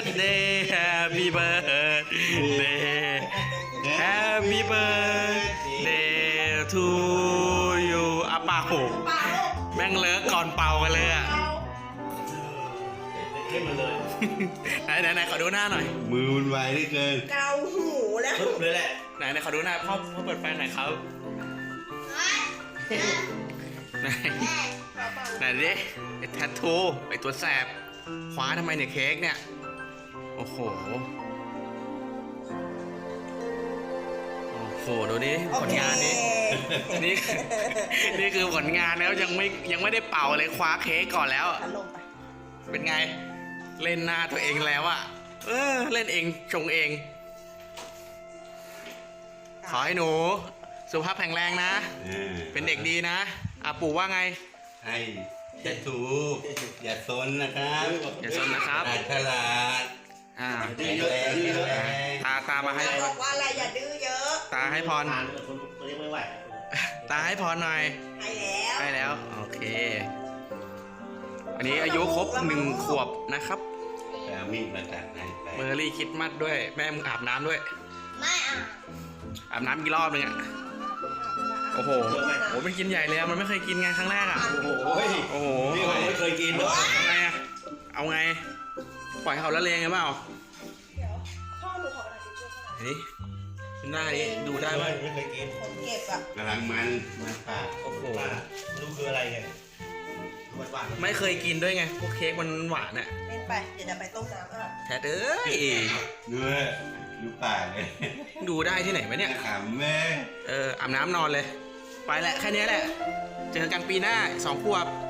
birthday Happy birthday Happy birthday to you อ่ะเป่าแม่งเลิกก่อนเป่ากันเลยอ่ะเข้มมาเลยไหนขอดูหน้าหน่อยมือมันไวเหลือเกินเกาหูแล้วปึ๊บเลยแหละไหนขอดูหน้าพ่อเปิดไฟหน่อยครับไหนดิไอ้แทททูไอ้ตัวแสบคว้าทำไมเนี่ยเค้กเนี่ยโอ้โหดูดิผลงานนี้นี่คือผลงานแล้วยังไม่ได้เป่าเลยคว้าเค้กก่อนแล้วลงไปเป็นไงเล่นหน้าตัวเองแล้วอะเล่นเองชงเอง ขอให้หนูสุขภาพแข็งแรงนะ เป็นเด็กดีนะอาปู่ว่าไงให้จะถูกอย่าซนนะครับอย่าซนนะครับฉลาดอ่าแข็งแรงตามาให้บอกว่าอะไรอย่าดื้อเยอะตาให้พรทานคนตัวนี้ไม่ไหวตาให้พรหน่อยให้แล้วโอเคอันนี้อายุครบ1 ขวบนะครับแต่เอามีดมาตัดให้ไปเมอร์รี่คริดมัดด้วยแม่มึงอาบน้ำด้วยไม่อ่ะอาบน้ำกี่รอบนึงอะโอ้โหมันกินใหญ่เลยอะมันไม่เคยกินไงครั้งแรกอะโอ้ยโอ้โหนี่ผมไม่เคยกินด้วยเอาไงอะเอาไงปล่อยเขาละเลงไงเปล่าเดี๋ยวพ่อหนูขอกระดาษทิชชู่หน่อยนี่หน้านี้ดูได้ไหมไม่เคยกินคนเก็บอ่ะกำลังมันปากโอ้โหรู้คืออะไรเนี่ยหวานไม่เคยกินด้วยไงพวกเค้กมันหวานอะเล่นไปเดี๋ยวจะไปต้มน้ำอ่ะแท้เอ้ยด้วยดูปากเลยดูได้ที่ไหนวะเนี่ยขำแม่อาบน้ำนอนเลย ไปแหละแค่นี้แหละ เจอกันปีหน้า2 ขวบ